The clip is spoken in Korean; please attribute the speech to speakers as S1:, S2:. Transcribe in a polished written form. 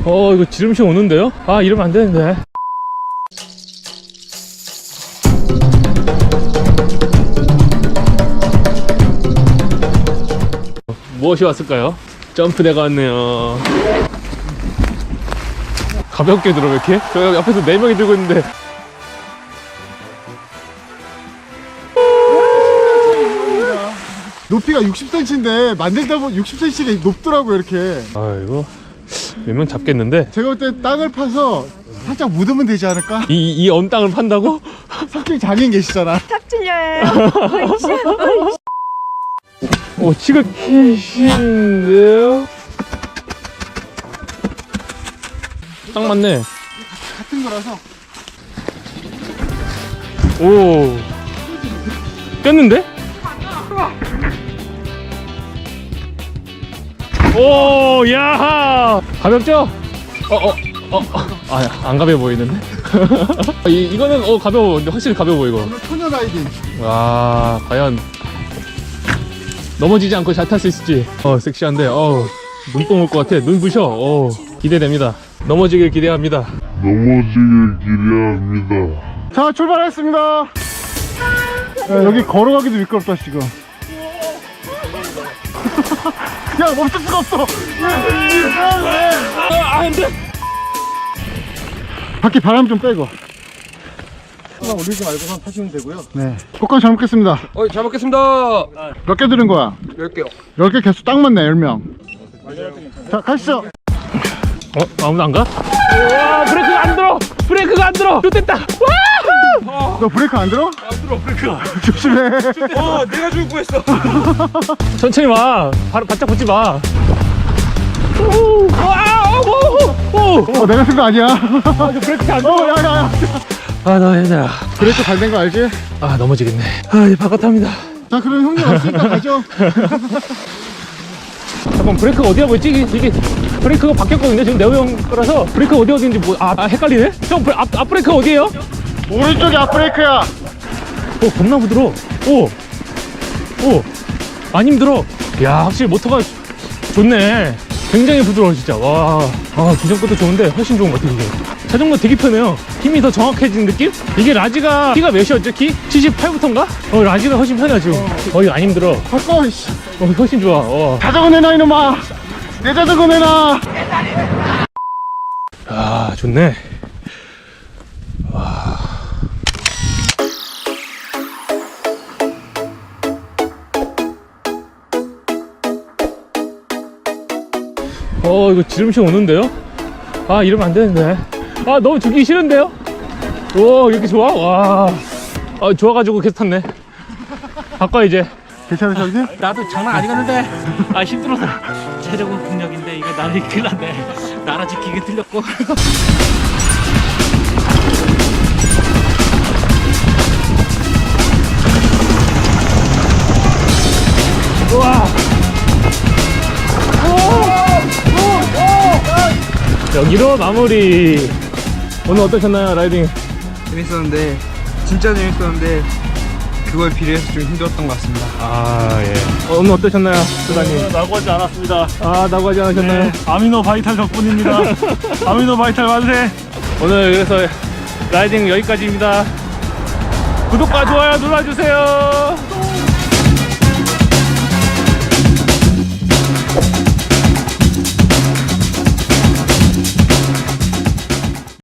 S1: 이거 지름신 오는데요? 아, 이러면 안 되는데. 무엇이 왔을까요? 점프대가 왔네요. 가볍게 들어, 왜 이렇게? 저 옆에서 4명이 들고 있는데.
S2: 높이가 60cm인데 만들다 보면 60cm가 높더라고요 이렇게.
S1: 아이고, 몇 명 잡겠는데?
S2: 제가 볼 때 땅을 파서 살짝 묻으면 되지 않을까?
S1: 이 언 땅을 판다고?
S2: 석진 장인 계시잖아.
S3: 탑질려요.
S1: 오, 지긋히신데요? 딱 맞네.
S2: 같은 거라서.
S1: 오, 꼈는데? 오, 야, 가볍죠? 안 가벼워 보이는데? 이거는 가벼워. 근데 확실히 가벼워 보이고.
S2: 오늘 토녀 라이딩.
S1: 와, 과연 넘어지지 않고 잘 탈 수 있을지. 섹시한데. 눈뽕 올 것 같아. 눈 부셔. 기대됩니다. 넘어지길 기대합니다.
S2: 자, 출발했습니다. 야, 여기 걸어가기도 미끄럽다 지금. 야, 멈출 수가 없어.
S1: 안 돼!
S2: 바퀴 바람 좀 빼고.
S4: 하나 올리지 말고만 타시면 되고요.
S2: 네. 꽃감 잘 먹겠습니다.
S4: 잘 먹겠습니다.
S2: 몇 개 들은 거야?
S4: 10개요.
S2: 10개 개수 딱 맞네, 10명. 자, 가시죠.
S1: 아무도 안 가? 와, 브레이크가 안 들어! 브레이크가 안 들어! 좋됐다! 와!
S2: 너 브레이크 안 들어?
S1: 안 들어, 브레이크가.
S2: 조심해.
S4: 내가 죽을 뻔했어.
S1: 천천히 와. 바짝 붙지 마. 오!
S2: 내가 쓴 거 아니야.
S1: 브레이크 안 들어.
S2: 야, 야, 야.
S1: 나 힘들어.
S2: 브레이크 잘 된 거 알지?
S1: 넘어지겠네. 이제 바깥합니다.
S2: 자, 그럼 형님 왔으니까 가죠.
S1: 잠깐, 브레이크가 어디야 보였지? 이게 브레이크가 바뀌었거든요. 지금 네오 형 거라서 브레이크 어디인지 헷갈리네? 형, 앞 브레이크 어디에요?
S2: 오른쪽이 앞브레이크야.
S1: 겁나 부드러워. 오, 안 힘들어. 야, 확실히 모터가 좋네. 굉장히 부드러워, 진짜. 와, 기존 것도 좋은데 훨씬 좋은 것 같아, 이게. 자전거 되게 편해요. 힘이 더 정확해진 느낌? 이게 라지가 키가 몇이었죠, 키? 78부터인가? 라지가 훨씬 편해, 지금. 이거 안 힘들어.
S2: 바꿔, 씨.
S1: 훨씬 좋아.
S2: 자전거 내놔, 이놈아. 내 자전거 내놔.
S1: 좋네. 이거 지름신 오는데요? 이러면 안 되는데. 너무 죽기 싫은데요? 오, 이렇게 좋아? 와. 좋아가지고 계속 탔네. 바꿔, 이제.
S2: 괜찮으셔, 형님?
S5: 나도 장난 아니겠는데 힘들어서 체력은 국력인데 이거 나를 큰일 났네. 나라 지키기 틀렸고.
S1: 우와. 여기로 마무리. 오늘 어떠셨나요, 라이딩?
S4: 재밌었는데 진짜 재밌었는데 그거에 비례해서 좀 힘들었던 것 같습니다.
S1: 예. 오늘 어떠셨나요, 수다님?
S6: 나고하지 않았습니다.
S1: 나고하지 않으셨나요?
S6: 아미노 바이탈 덕분입니다. 아미노 바이탈 만세.
S1: 오늘 그래서 라이딩 여기까지입니다. 구독과 좋아요 눌러주세요.